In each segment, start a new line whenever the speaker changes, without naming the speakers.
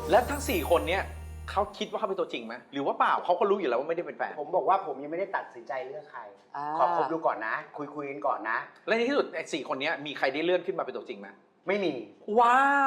แล้วทั้ง4คนเนี้ยเขาคิดว่าเขาเป็นตัวจริงไหมหรือว่าเปล่าเขาก็รู้อยู่แล้วว่าไม่ได้เป็นแฟน
ผมบอกว่าผมยังไม่ได้ตัดสินใจเลือกใครขอคบดูก่อนนะ คุยกันก่อนนะ
และในที่สุดไอ้4คนเนี้ยมีใครได้เลื่อนขึ้นมาเป็นตัวจริงไหม
ไม่มี
ว้าว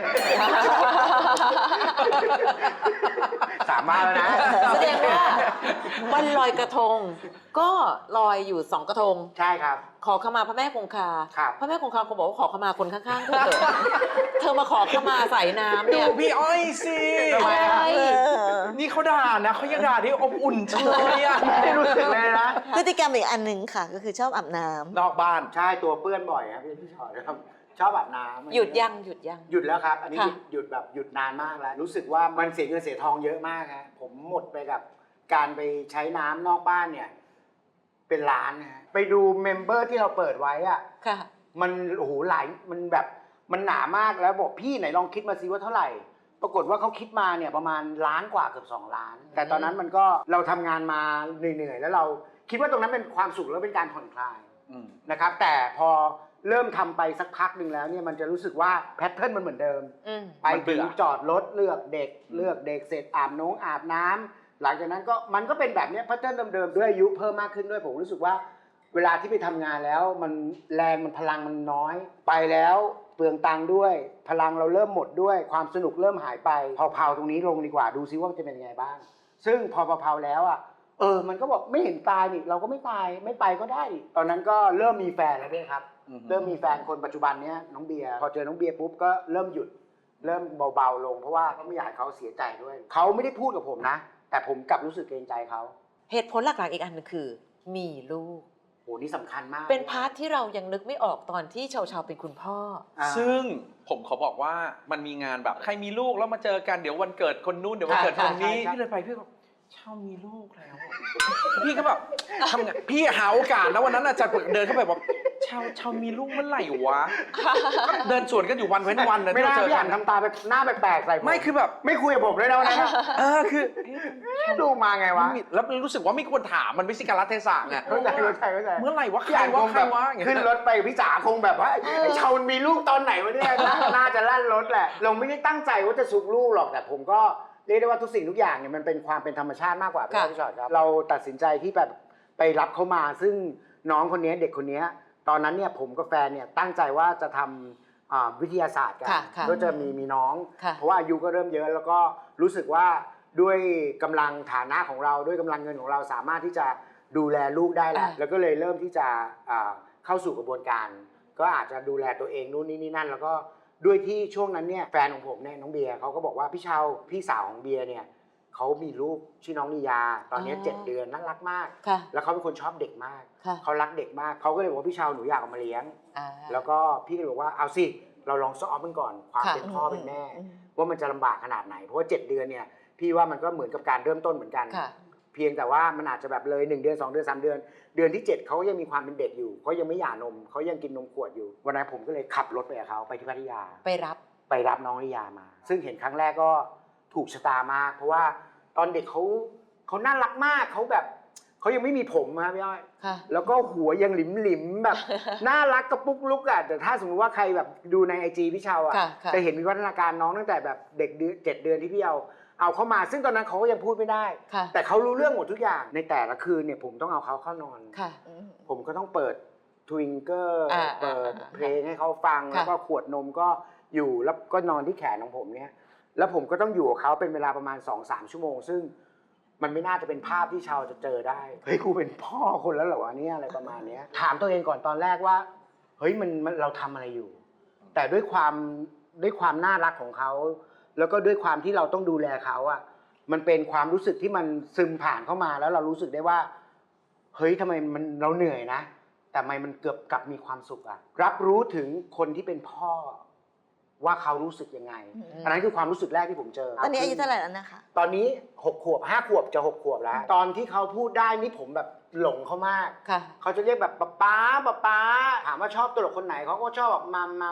สามารถแล้วนะ
แสดงว่าวันลอยกระทง ก็ลอยอยู่2กระทง
ใช่ครับ
ขอขมาพระแม่คงคา
ครับ
พระแม่คงคาคงบอกว่าขอขมาคนข้างๆเธอเถอะเธอมาขอขมาใส่น้ำ
ดู
เนี่ย
พี่อ้อยสิ
ทำไมอะ
นี่เขาด่านะเขายังด่าที่อบอุ่นเฉยอะ
ไม่รู้สึกเลยนะ
พฤติกรรมอีกอันหนึ่งค่ะ ก็คือชอบอาบน้ำ
นอกบ้าน
ใช่ตัวเปื้อนบ่อยครับพี่ชอตครับชอบอาบน้ำ
หยุดยัง
หยุดแล้วครับ อันนี้
ค่ะ
หยุดแบบหยุดนานมากแล้ว รู้สึกว่ามันเสียเงินเสียทองเยอะมากครับผมหมดไปกับการไปใช้น้ำนอกบ้านเนี่ยเป็นล้านนะฮะไปดูเมมเบอร์ที่เราเปิดไว้อะ
ค่ะ
มันโอ้โหหลายมันแบบมันหนามากแล้วบอกพี่ไหนลองคิดมาซิว่าเท่าไหร่ ปรากฏว่าเขาคิดมาเนี่ยประมาณล้านกว่าเกือบ2 ล้าน แต่ตอนนั้นมันก็เราทำงานมาเหนื่อยๆแล้วเราคิดว่าตรงนั้นเป็นความสุขแล้วเป็นการผ่อนคลายนะครับแต่พอเริ่มทำไปสักพักหนึ่งแล้วเนี่ยมันจะรู้สึกว่าแพทเทิร์นมันเหมือนเดิม ไปถึงจอดรถเลือกเด็กเสร็จอาบน้ำหลังจากนั้นก็มันก็เป็นแบบนี้แพทเทิร์นเดิมๆด้วยอายุเพิ่มมากขึ้นด้วยผมรู้สึกว่าเวลาที่ไปทำงานแล้วมันแรงมันพลังมันน้อยไปแล้วเปลืองตังค์ด้วยพลังเราเริ่มหมดด้วยความสนุกเริ่มหายไปเผาๆตรงนี้ลงดีกว่าดูซิว่ามันจะเป็นยังไงบ้างซึ่งพอเผาๆแล้วอ่ะมันก็บอกไม่เห็นตายนี่เราก็ไม่ตายไม่ไปก็ได้ตอนนั้นก็เริ่มมีแฟนแล้วด้วยครับเริ่มมีแฟนคนปัจจุบันเนี้ยน้องเบียร์พอเจอน้องเบียร์ปุ๊บก็เริ่มหยุดเริ่มเบาๆลงเพราะว่าเขาไม่อยากให้เขาเสียใจด้วยเขาไม่ได้พูดกับผมนะแต่ผมกลับรู้สึกเกรงใจเขา
เหตุผลหลักๆอีกอันหนึงคือ มีลูก
โหนี่สำคัญมาก
เป็นพาร์ทที่เรายังนึกไม่ออกตอนที่ชาวๆเป็นคุณพ่อ
ซึ่งผมขอบอกว่ามันมีงานแบบใครมีลูกแล้วมาเจอกันเดี๋ยววันเกิดคนนู้นเดี๋ยววันเกิดคนนี้พี่เลยไปพี่ก็เช่ามีลูกแล้วพี่ก็แบบทำไงพี่หาโอกาสนะวันนั้นอาจารย์เดินเข้าไปบอกเช่ามีลูกเมื่อไหร่วะเดินสวนกันอยู่วันเว้นวันนะ
ไม่ได้
เจอ
พี่
กั
อ่าน นทำตาแบบหน้าแปลกๆใส่ผม
ไม่คือแบบ
ไม่คุยกับผมเลยนะวันนั้น
คือ
ดูมาไงวะ
แล้วรู้สึกว่าไม่ควรถามมันไม่ใช่การรัเทศะไง
เข้าใจ
เมื่อไหร่วะใค
พี่
ร
อ่านคว
ะ
ง
ใคร
แบบ
วะอย่างเงี้ย
ขึ้นรถไปพี่จ๋าคงแบบว่าไอ้ชาวมันมีลูกตอนไหนวะเนี่ยน่าจะลั่นรถแหละเราไม่ได้ตั้งใจว่าจะซุกลูกหรอกแต่ผมก็เรียกได้ว่าทุกสิ่งทุกอย่างเนี่ยมันเป็นความเป็นธรรมชาติมากกว่าพี่ชอตครับเราตัดสินใจที่แบบไปรับเขามาซึ่งน้องคนนี้เด็กคนนี้ตอนนั้นเนี่ยผมกับแฟนเนี่ยตั้งใจว่าจะทำวิทยาศาสตร์กันก็จะมีน้องเพราะว่าอายุก็เริ่มเยอะแล้วก็รู้สึกว่าด้วยกำลังฐานะของเราด้วยกำลังเงินของเราสามารถที่จะดูแลลูกได้แล้วก็เลยเริ่มที่จะเข้าสู่กระบวนการก็อาจจะดูแลตัวเองนู่นนี่นั่นแล้วก็ด้วยที่ช่วงนั้นเนี่ยแฟนของผมเนี่ยน้องเบียร์เขาก็บอกว่าพี่เชาพี่สาวของเบียร์เนี่ยเขามีลูกชื่อน้องนิยาตอนนี้7 เดือนน่ารักมากแล้วเขาเป็นคนชอบเด็กมากเขารักเด็กมากเขาก็เลยบอกว่าพี่เชาหนูอยากเอามาเลี้ยงแล้วก็พี่ก็เลยบอกว่าเอาสิเราลองซ้อมมันก่อนความเป็นพ่อเป็นแม่ว่ามันจะลำบากขนาดไหนเพราะว่า7 เดือนเนี่ยพี่ว่ามันก็เหมือนกับการเริ่มต้นเหมือนกันเพียงแต่ว่ามันอาจจะแบบเลย1 เดือน2 เดือน3 เดือนเดือนที่7เขายังมีความเป็นเด็กอยู่เขายังไม่หย่านมเขายังกินนมขวดอยู่วันนั้นผมก็เลยขับรถไปกับเขาไปที่พัทยาไปรับน้องนิยามาซึ่งเห็นครั้งแรกก็ถูกชะตามากเพราะว่าตอนเด็กเขาน่ารักมากเขาแบบเขายังไม่มีผมครับพี่อ้อยแล้วก็หัวยังหลิมๆแบบน่ารักกระปุกลุกอ่ะแต่ถ้าสมมติว่าใครแบบดูใน IG พี่เชาอ่ะจะเห็นวิวัฒนาการน้องตั้งแต่แบบเด็ก7 เดือนที่พี่เอาเข้ามาซึ่งตอนนั้นเขาก็ยังพูดไม่ได้แต่เขารู้เรื่องหมดทุกอย่างในแต่ละคืนเนี่ยผมต้องเอาเขาเข้านอนผมก็ต้องเปิดทวิงเกอร์เปิดเพลงให้เขาฟังแล้วก็ขวดนมก็อยู่แล้วก็นอนที่แขนของผมเนี่ยแล้วผมก็ต้องอยู่กับเขาเป็นเวลาประมาณ 2-3 ชั่วโมงซึ่งมันไม่น่าจะเป็นภาพที่ชาวจะเจอได้เฮ้ยกูเป็นพ่อคนแล้วเหรอวะเนี่ยอะไรประมาณนี้ถามตัวเองก่อนตอนแรกว่าเฮ้ยมันเราทำอะไรอยู่แต่ด้วยความน่ารักของเขาแล้วก็ด้วยความที่เราต้องดูแลเขาอ่ะมันเป็นความรู้สึกที่มันซึมผ่านเข้ามาแล้วเรารู้สึกได้ว่าเฮ้ยทำไมมันเราเหนื่อยนะแต่ทำไมมันเกือบกลับมีความสุขอ่ะรับรู้ถึงคนที่เป็นพ่อว่าเขารู้สึกยังไงอันนั้นคือความรู้สึกแรกที่ผมเจอ
ตอนนี้อายุเท่าไหร่แล้วนะคะ
ตอนนี้6 ขวบ5 ขวบจะ6 ขวบแล้วตอนที่เขาพูดได้นี่ผมแบบหลงเขามากเขาจะเรียกแบบป๊าถามว่าชอบตลกคนไหนเขาก็ชอบแบบมัม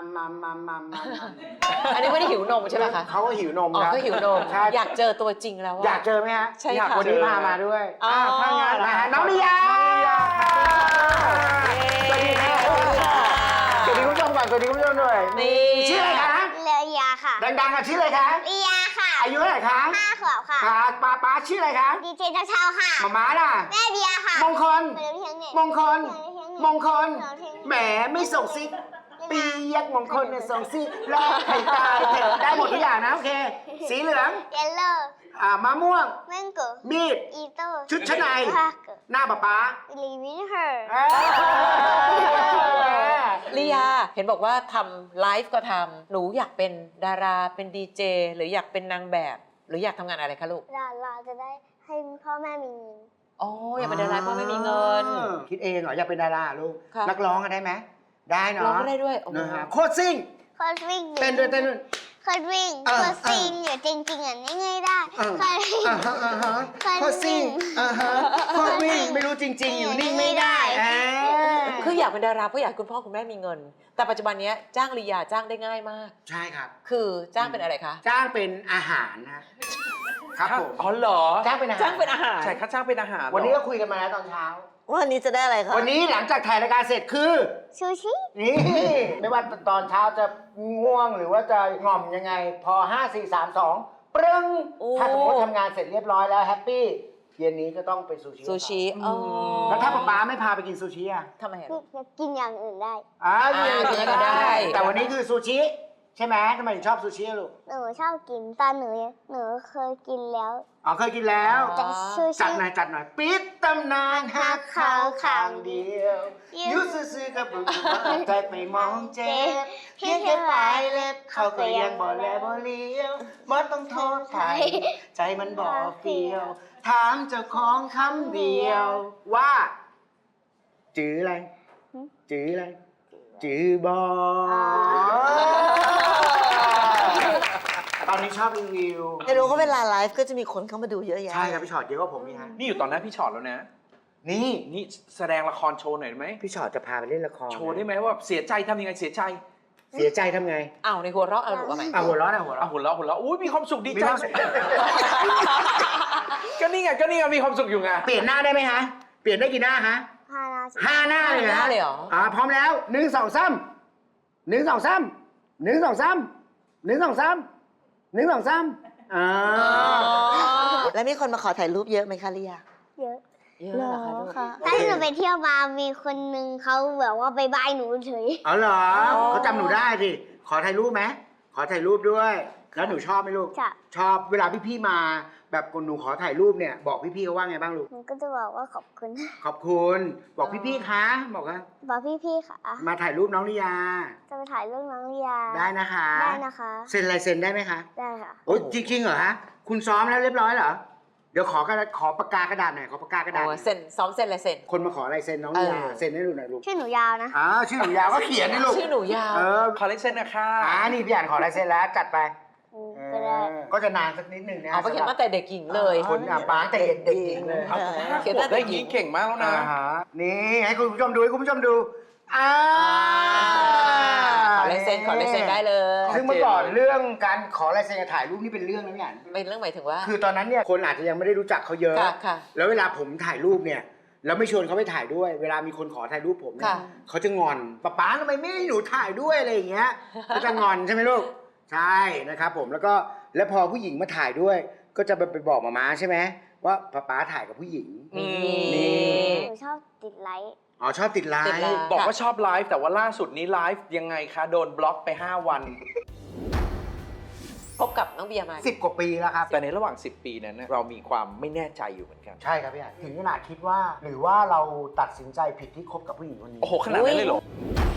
อันนี้ไม่ได้หิวนมใช่ไหมคะ
เขาก็หิวนมครับ
ก็หิวนมอยากเจอตัวจริงแล้ว
อยากเจอไหมฮะ
ใช่ค่ะ
วันนี้พามาด้วยถ้างั้นนะฮะน้องนิยาสวัสดีครับสวัสดีคุณผู้ชมก่อนสวัสดีคุณผู้ชมด้วย
นี่
ชื่ออะไรคะ
เลียค่ะ
ดังๆอ่ะชื่ออะไรคะ
เลียค่ะ
อายุเท่าไหร่คะ
5 ขวบค่ะ
ค่ะป้าชื่ออะไรคะ
ดีเจเช้าๆค่ะ
หม่าล่ะ
แม่เบียร์ค่ะ
มงคล
ไปเรียนที่เชียงใหม่
มงคล มงคล
เดี๋ยวทิ้ง
แหมไม่ส่งซิกปียักมงคลเนี่ยส่งซิกแล้วไข่ตายเถอะได้หมดทุกอย่างนะโอเค สีเหลือง
เยลโล่
มะม่วง
แมงโก้
มีด
อีโต้
ชุดชั้นใน
พาเกอร์
หน้าป๊า
ลีวินเฮอร์
ลียาเห็นบอกว่าทำไลฟ์ก็ทำหนูอยากเป็นดาราเป็นดีเจหรืออยากเป็นนางแบบ หรืออยากทำงานอะไรคะลูก
เราจะได้ให้พ่อแม่มีเงิน
อ๋ออยากเป็นดาราเพราะไม่มีเงิน
คิดเองเหรออยากเป็นดาราลูก
ค่ะ
นักร้องกันได้ไหมได้เนาะ
ร้องก็ได้ด้วยโอ้โห
นะฮะโคตรซิ่ง
โคตรวิ่ง
เต้นด้วยเต้นด้วย
โคตรวิ่ง
เออ
โคตรซิงอยู่จริงๆอ่ะนี่ไงได้
เออ
โคตรวิ่ง
โคตรซิ่งโคตรวิ่งไม่รู้จริง ๆ อยู่นิ่งไม่ได้อ่า
คืออยากเป็นดาราเพราะอยากให้คุณพ่อคุณแม่มีเงิน แต่ปัจจุบันเนี้ยจ้างลียาจ้างได้ง่ายมาก
ใช่ครับ
คือจ้างเป็นอะไรคะ
จ้างเป็นอาหารนะครับผม
อ๋อเหรอ
จ้างเป็นอาหาร
จ้างเป็นอาหาร
ใช่ค่าจ้างเป็นอาหารเหรอ
วันนี้ก็คุยกันมาแล้วตอนเช้า
วันนี้จะได้อะไรคะ
วันนี้หลังจากถ่ายรายการเสร็จคือ
ซูชิ
นี่ไม่ว่าตอนเช้าจะง่วงหรือว่าจะง่อมยังไง พอ 5 4 3 2 ปรึ้ง
โอ้
ถ้าสมมติทำงานเสร็จเรียบร้อยแล้วแฮปปี้เย็นนี้ก็ต้องไปซูชิ
ซูชิอ๋อ
แล้วถ้าป๊าไม่พาไปกินซูชิอ่ะ
ทำไมอะ
กินอย่างอื่นได้
กินก็ได้
แต่วันนี้คือซูชิ ใช่ไหมทำไมถึงชอบซูชิอะลูก
หนูชอบกินตอนหนูเคยกินแล้ว
อ๋อเคยกินแล้ว
แต่ซู
จัด
ชิ
หน่อยจัดหน่อยปิดตำนานหักเขาข้างเดียวยุซื่อๆกับบุญใจไปมองเจ็บเพียงแค่ปลายเล็บเขาก็ยังบ่แลบ่เลี้ยวบ่ต้องโทษใครใจมันบ่เฟียว ถามเจ้าของคำเดียวว่าจื้ออะไรจื้ออะไรจื้อบอตอนนี้ชอบรีวิว
ไม่รู้ก็เวลาไลฟ์ก็จะมีคนเข้ามาดูเยอะแยะ
ใช่ครับพี่ชอตเยอะกว่าผมนี่ฮะ
นี่อยู่ตอนหน้าพี่ชอตแล้วนะ
นี่
นี่แสดงละครโชว์หน่อยได้ไหม
พี่ชอตจะพาไปเล่นละคร
โชว์ได้ไหมว่าเสียใจทำยังไงเสียใจ
เสียใจทำไง
อ้าวในหัวเราะเอาหนูว่าไหม
หัวเร้อนหัวเร้อ
อ่ะ
น
หุ่นเราะอุ้ยมีความสุขดี
มี
ใจ
ความสุข
ก็นี่ไงมีความสุขอยู่ไง
เปลี่ยนหน้าได้ไหมฮะ เปลี่ยนได้กี่หน้าฮะ
พาราชิ
5 หน้าเลย
ห
ฮะ
น้าเลยเหรอ
พร้อมแล้ว1 2 3 1 2 3 1 2 3 1 2 3 1 2 3
แล้วมีคนมาขอถ่ายรูปเยอะไหมคะลิยา
เยอะ
เยอะเหรอคะลูก
ถ้าหนูไปเที่ยวมามีคนนึงเขาแบบว่าไปบายหนูเฉย
อ๋อเหรอ
อ๋อ
เขาจำหนูได้สิขอถ่ายรูปไหมขอถ่ายรูปด้วย แล้วหนูชอบไหมลูก
จ้ะ
ชอบเวลาพี่ๆมา แบบคนหนูขอถ่ายรูปเนี่ยบอกพี่ๆเขาว่าไงบ้างลูก
หนูก็จะบอกว่าขอบคุณ
ขอบคุณบอกพี่ๆคะบอกว่า
บอกพี่ๆค่ะ
มาถ่ายรูปน้องลิยา
จะไปถ่ายเรื่องน้องลียา
ได้นะคะ
ได้นะคะ
เซ็นลายเซ็นได้ไหมคะ
ได้ค่ะ
โอ้ยจริงๆเหรอฮะคุณซ้อมแล้วเรียบร้อยเหรอเดี๋ยวขอปากกากระดาษหน่อยขอปากกากระดาษห
โอ้
น่อย
เซ็นซ้อมเซ็นอะไรเซ็น
คนมาขอลายเซ็นน้องลิยา
เออ
เซ็นให้ดูหน่อยลูก
ชื่อหนูยาวนะ
ชื่อหนูยาวก็เขียนให้ลูก
ชื่อหนูยาว
เออ
คอลเลกชันนะคะ
นี่พี่อ่านขอลายเซ็นแล้วจัดไป
ก็ได้
ก็จะนานสักนิดหนึ่งนะ
เอาไปเขียนมาแต่เด็กหญิงเลย
คนป้าแต่เด็กๆหญิงเลย
เอา
เขียน
ขว
ได้
บ
แต่
ได้
หญิ
ยี้
ง
เก่งมากแล้วนะ
นี่ให้คุณผู้ชมดูให้คุณผู้ชมดู
ขอลายเซ็นขอลายเซ็นได้เลย
ซึ่งเมื่อก่อนเรื่องการขอลายเซ็นกับถ่ายรูปนี่เป็นเรื่องแล้วเนี่ย
เป็นเรื่องหมายถึงว่า
คือตอนนั้นเนี่ยคนอาจจะยังไม่ได้รู้จักเขาเยอะ
ค่ะค่ะ
แล้วเวลาผมถ่ายรูปเนี่ยแล้วไม่ชวนเขาไปถ่ายด้วย เวลามีคนขอถ่ายรูปผมเนี่ย
ค่ะ
เขาจะงอนป๊าทำไมไม่ให้หนูถ่ายด้วยอะไรอย่างเงี้ยก็จะงอนใช่ไหมลูกใช่นะครับผมแล้วพอผู้หญิงมาถ่ายด้วย ก็จะไปบอกมาม่าใช่ไหมว่าป๊าถ่ายกับผู้หญิง
นี่
นี่
หนูชอบติดไลค์
อ๋อชอบติดไล
ติดไลน์
น์
บอกว่าชอบไลฟ์แต่ว่าล่าสุดนี้ไลฟ์ยังไงคะโดนบล็อกไป 5 วัน
พบกับน้องเบียร์มา
10 กว่าปีแล้วครับ
แต่ในระหว่าง 10 ปีนั้นนะเรามีความไม่แน่ใจอยู่เหมือนกัน
ใช่ครับพี่อ่ะถึงขนาดคิดว่า หรือว่าเราตัดสินใจผิดที่คบกับผู้หญิงคนนี้
โอ้โหขนาดนั้นเลยเหรอ